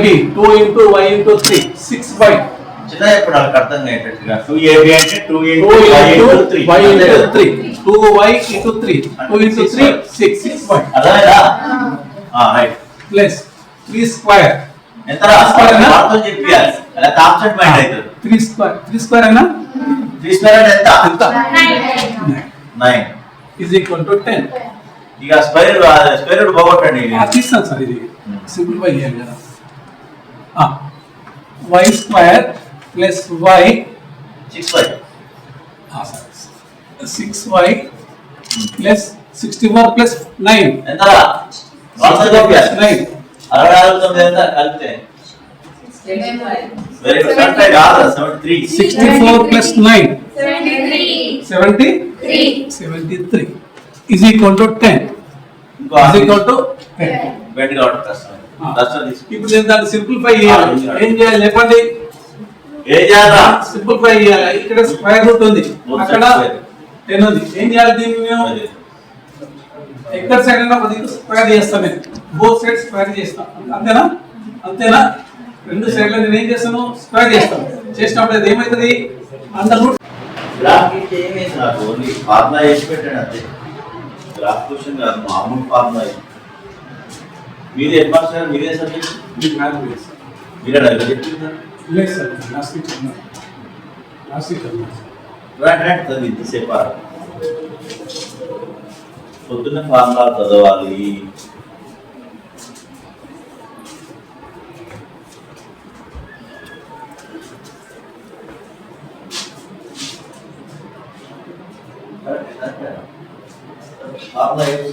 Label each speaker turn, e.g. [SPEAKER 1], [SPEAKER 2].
[SPEAKER 1] 2ab 2 into y into 3 6y
[SPEAKER 2] చిన్న ఇప్పుడు వాళ్ళకి అర్థం అయ్యేటట్టుగా 2ab అంటే 2
[SPEAKER 1] 2
[SPEAKER 2] into y
[SPEAKER 1] into
[SPEAKER 2] into 3
[SPEAKER 1] y into 3 2y into 3 2 into 3 6 6y
[SPEAKER 2] అర్థమైందా రైట్
[SPEAKER 1] plus 3 square
[SPEAKER 2] ఎంతరా
[SPEAKER 1] Square అన్నా?
[SPEAKER 2] వార్తలు చెప్పాలి అలా ఆబ్సెంట్ మైండ్ అవుతుంది
[SPEAKER 1] 3 square అన్నా
[SPEAKER 2] 3 స్క్వేర్ అంటే ఎంత
[SPEAKER 1] ఎంత
[SPEAKER 2] 9
[SPEAKER 1] is equal to 10
[SPEAKER 2] ఇక స్క్వేర్ రూట్ పోగొట్టండి
[SPEAKER 1] తీస్తాను సార్ ఇది సింప్లిఫై చేయాలి కదా y square plus y
[SPEAKER 2] 6y
[SPEAKER 1] 6y plus 64 plus 9
[SPEAKER 2] ఎంతరా వార్తలు చెప్పాలి
[SPEAKER 1] 9
[SPEAKER 2] 64 9 ఎంత కలిపితే వెరీ గుడ్ అంటే కాదు 73
[SPEAKER 1] 64 plus 9
[SPEAKER 3] 73.
[SPEAKER 1] 73 is equal to 10
[SPEAKER 2] ఇంకో
[SPEAKER 1] is equal to 10
[SPEAKER 2] బెడ్ గా ఉంటుంది కష్టం కష్టం తీసుకు
[SPEAKER 1] ఇప్పుడు నేను దాన్ని సింప్లిఫై చేయాలి ఏం చేయాలి చెప్పండి
[SPEAKER 2] ఏం చేయాలా
[SPEAKER 1] సింప్లిఫై చేయాలి ఇక్కడ స్క్వేర్ రూట్ ఉంది అక్కడ 10 ఉంది ఏం చేయాలి దీన్ని మేము ఎక్కడ సైడ్ అయినా కొద్దిగా స్క్వేర్ చేస్తాను నేను బోత్ సైడ్ స్క్వేర్ చేస్తాను అంతేనా అంతేనా రెండు సైడ్ల నేను ఏం చేస్తాను స్క్వేర్ చేస్తాను చేసినప్పుడు అది ఏమవుతుంది అండర్ రూట్
[SPEAKER 2] గ్రాఫ్ ఇస్తే ఏమైంది నాకు ఓన్లీ ఫార్ములా వేసి పెట్టాను అంతే గ్రాఫ్ క్వశ్చన్ కాదు మామూలు ఫార్ములా మీది హెడ్ మాస్టర్ మీదే సబ్జెక్ట్ మీరే అడగ చెప్పిందా
[SPEAKER 1] లేదు సార్ లాస్ట్ వీక్
[SPEAKER 2] రైట్ చదివి ఇంతసేపు పొద్దున్న ఫార్ములా చదవాలి ఫార్ములా